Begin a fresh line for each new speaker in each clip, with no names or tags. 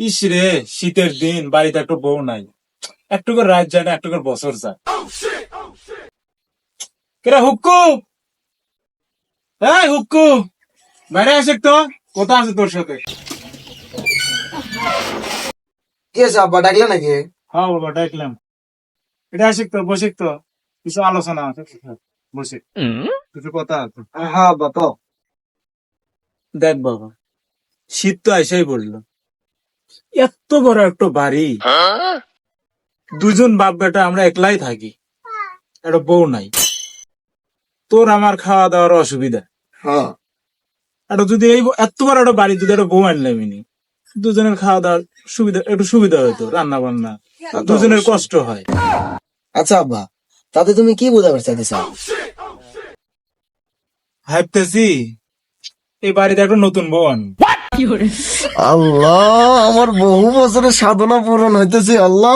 ইস রে, শীতের দিন, বাড়িতে একটু বউ নাই, একটু করে রাত যায় না, একটু করে বছর যায়। কেরা হুক্কু, এই হুক্কু, বাইরে আসে তো। কথা আছে তোর সাথে।
কি আছে আব্বা, ডাকলে নাকি?
হ্যাঁ বাবা, ডাকলাম। এটা আসে তো, বসে তো, কিছু আলোচনা আছে, বসে কিছু কথা আছে।
হ্যাঁ আব্বা, তো
দেখ বাবা, শীত তো এসেই পড়লো। এত বড় একটা বাড়ি, দুজন বাপ বেটা, আমরা একলাই থাকি, একটা বউ নাই। তোর আমার খাওয়া দাওয়ার অসুবিধা।
হ্যাঁ।
একটা যদি এই এত বড় একটা বাড়ি যদি একটা বউ আনলাম, দুজনের খাওয়া দাওয়ার সুবিধা, একটু সুবিধা হইতো, রান্না বান্না, দুজনের কষ্ট হয়।
আচ্ছা আব্বা, তাতে তুমি কি বোঝাতে চাইতেছ?
ভাবতেছি এই বাড়িতে একটা নতুন বউ আনবো।
আল্লাহ, আমার বহু বছরের সাধনা পূরণ হইতেছে। আল্লাহ।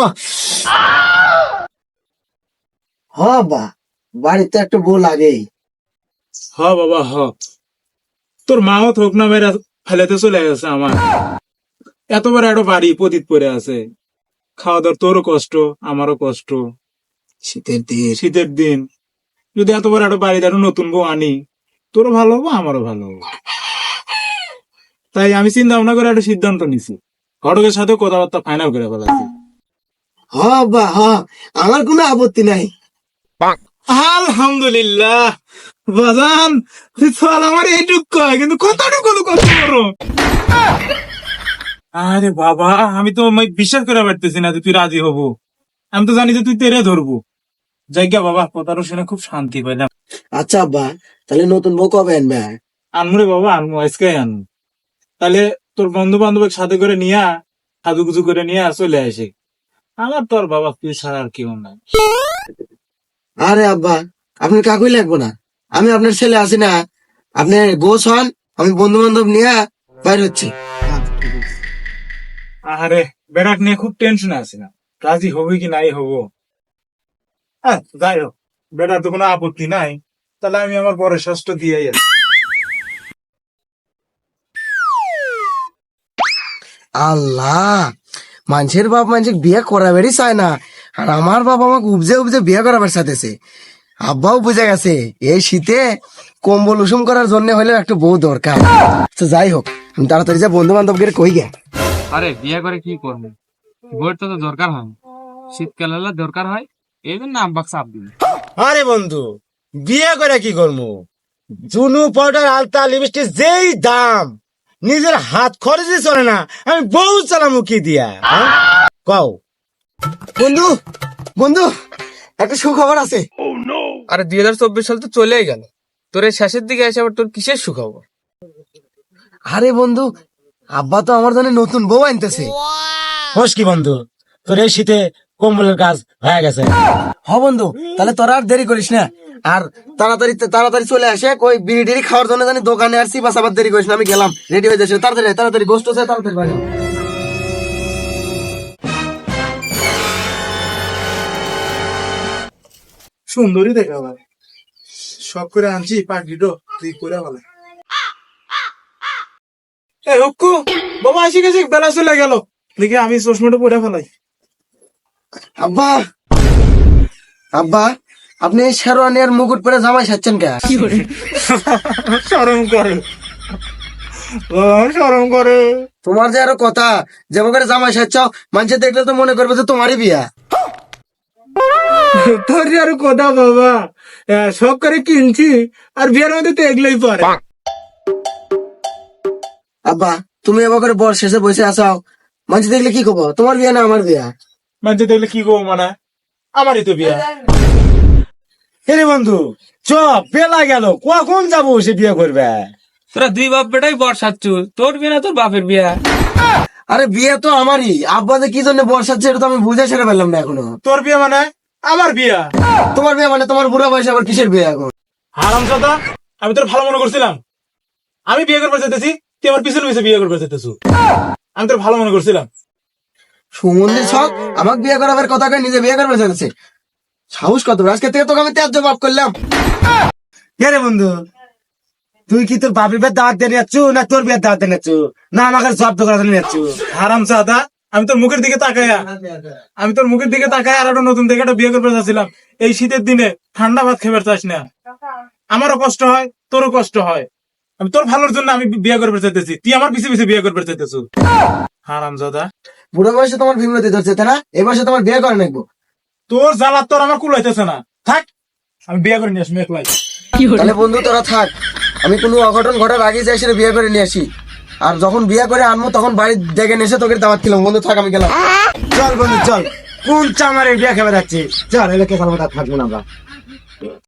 হ্যাঁ আব্বা, বাড়িতে একটা বউ লাগেই।
হ বাবা হ, তোর মাও থোক না মেরা ফেলেতে চলে গেছে আমার। এত বড় একটা বাড়ি পতিত পড়ে আছে, খাওয়া দাওয়ার তোরও কষ্ট, আমারও কষ্ট।
শীতের দিন।
শীতের দিন যদি এত বড় একটা বাড়িতে একটা নতুন বউ আনি, তোরও ভালো হবো, আমারও ভালো হবো। তাই আমি চিন্তা ভাবনা করে একটা সিদ্ধান্ত নিছি, ঘটকের সাথে কথাবার্তা ফাইনাল করে ফেলাছি।
হ্যাঁ আব্বা, হ্যাঁ, আমার কোনো আপত্তি নাই।
আলহামদুলিল্লাহ বাজান, তুই চল আমার এইটুক কয়, কিন্তু কতটুকু কত বড়। আরে বাবা, আমি তো বিশ্বাস করে পারতেছি না যে তুই রাজি হবো। আমি তো জানি যে তুই তেরে ধরবো। জায়গা বাবা, কথাটা শুনে খুব শান্তি পাইলাম।
আচ্ছা আব্বা, তাহলে নতুন বউ কবে আনবে?
আনমু রে বাবা, আনমু, আজকে আনমু। তাহলে তোর বন্ধু বান্ধবের সাথে করে নিয়া, সাজুগুজু করে নিয়ে চলে আসে। আমার তোর বাবা তুই ছাড়া আর কেউ নাই।
আরে আব্বা, আপনার কাকুই লাগবো না, আমি আপনার ছেলে আছি না। আপনি বউ হন, আমি বন্ধু বান্ধব নিয়ে বাইর হচ্ছি।
আরে বেড়াক নিয়ে খুব টেনশনে আছি না, রাজি হবি কি নাই হবো। হ্যাঁ যাই হোক, বেটার তো কোনো আপত্তি নাই, তাহলে আমি আমার পরের শ্বাসটা দিয়ে আছি।
আল্লাহ, মানুষের বাপ মানুষের বিয়ে করাবেরই চায় না, আর আমার বাপ আমাকে উপজে উপজে বিয়ে করাবার চাইতেছে। আব্বাও বুঝে গেছে এই শীতে কম্বল উষুম করার জন্য হলেও একটা বউ দরকার। তো যাই হোক, আমি তাড়াতাড়ি যা বন্ধু বান্ধবকে কই গে।
আরে বিয়ে করে কি করবো, বইয়ের তো দরকার হয়, শীতকাল হলে দরকার হয়, এই জন্য আব্বাক চাপ দিন।
আরে বন্ধু, বিয়ে করে কি করবো? চুনু পাউডার আলতা লিপস্টিক যেই দাম, নিজের হাত খরচই চলে না, আমি বউ চালামু কি দিয়া? হ্যাঁ? কও।
বন্ধু, বন্ধু, একটা সুখবর আছে।
আরে 2024 সাল তো চলেই গেল, তোর এই শেষের দিকে এসে আবার তোর কিসের সুখবর?
আরে বন্ধু, আব্বা তো আমার জন্য নতুন বউ আনতেছে।
হোস কি বন্ধু, তোর এই শীতে কম্বলের কাজ হয়ে গেছে।
হ বন্ধু, তাহলে তোরা আর দেরি করিস না, আর তাড়াতাড়ি তাড়াতাড়ি চলে আসে। কই বিড়ি টিড়ি খাওয়ার জন্য জানি দোকানে আসছি, বাস আবার দেরি করিস না, আমি গেলাম, রেডি হয়ে যাচ্ছে। তাড়াতাড়ি তাড়াতাড়ি গোষ্ঠ আছে, তাড়াতাড়ি বাজা।
সুন্দরী দেখা ভাই, শখ করে আনছি পাখিটো, তুই করে বলে। এই হুক্কু, বাবা আসি গেছে, বেলা চলে গেল, দেখি আমি চশমাটা পরে ফেলাই।
আব্বা, আব্বা, আপনি এই শেরওয়ানি আর মুকুট পরে জামাই সাজছেন কে?
শরম করে বাবা, শরম করে।
তোমার যে আরো কথা, যেমন করে জামাই সাজছাও, মানুষে দেখলে তো মনে করবে যে তোমারই বিয়া।
তোর আর কথা বাবা, শখ করে কিনছি, আর বিয়ের মধ্যে তো এগুলোই পরে।
আব্বা, তুমি এবার করে বর শেষে বসে আসাও, মানুষ দেখলে কি করবো? তোমার বিয়া না আমার বিয়া?
মানুষ দেখলে কি করবো, মানে আমারই তো বিয়া।
হে বন্ধু, চ, বেলা গেল, কখন যাবো সে বিয়ে করবে?
তোরা দুই বাপ বেটাই বর্ষাচ্ছু, তোর বিয়ে না তোর বাপের বিয়া।
আরে বিয়ে তো আমারই, আব্বা যে কি জন্য বর সাজছে এটা তো আমি বুঝে সেরে ফেললাম না এখনো।
তোর বিয়ে মানে আমার বিয়া?
তোমার বিয়ে মানে তোমার বুড়া বয়সে আবার কিসের বিয়ে এখন?
হারামজাদা, আমি তোর ভালো মনে করছিলাম, আমি বিয়ে করতে চাইতেছি, তুই আমার পিছনে পিছনে বিয়ে করতে চাইতেছু। আমি তোর ভালো মনে করছিলাম।
সুমন্দির ছক আমাকে বিয়ে করাবার কথা কয়ে নিজে বিয়ে করবে চাইছে। সাহস কত বড়! আজকে থেকে তোকে আমি ত্যায্য মাফ করলাম।
কে রে বন্ধু, তুই কি তোর বাপের বিয়ের দাওয়াত দিয়ে যাচ্ছ না তোর বিয়ের দাওয়াত দিয়ে যাচ্ছ না আমাকে জব্দ করার জন্য যাচ্ছ?
হারাম সাদা, আমি তোর মুখের দিকে তাকাইয়া আর একটা নতুন দেখে একটা বিয়ে করতে চাচ্ছিলাম। এই শীতের দিনে ঠান্ডা ভাত খেতে চাস না, আমারও কষ্ট হয় তোরও কষ্ট হয়। আমি তোর ভালোর জন্য আমি বিয়ে করতে চাইতেছি, তুই আমার পিছে পিছে বিয়ে করতে চাইতেছ। হারাম দাদা,
বুড়ো বয়সে তোমার বিমরতি ধরছে তাই না? এই বয়সে তোমার বিয়ে করে নাকবো।
তোর জ্বালা তোর আমার কুলাইতেছে না, থাক আমি বিয়ে করে নিয়ে আসবো একলাই।
তাহলে বন্ধু তোরা থাক, আমি কোনো অঘটন ঘটার আগে যাই সেটা বিয়ে করে নিয়ে আসি। আর যখন বিয়ে করে আনবো তখন বাড়ি ডেকে এসে তোকে দাওয়াত খেলাম। বন্ধু থাক, আমি গেলাম।
চল বন্ধু চল, কোন চামারে বিয়ে খেতে যাচ্ছে, চল এলাকে থাকবো না আমরা।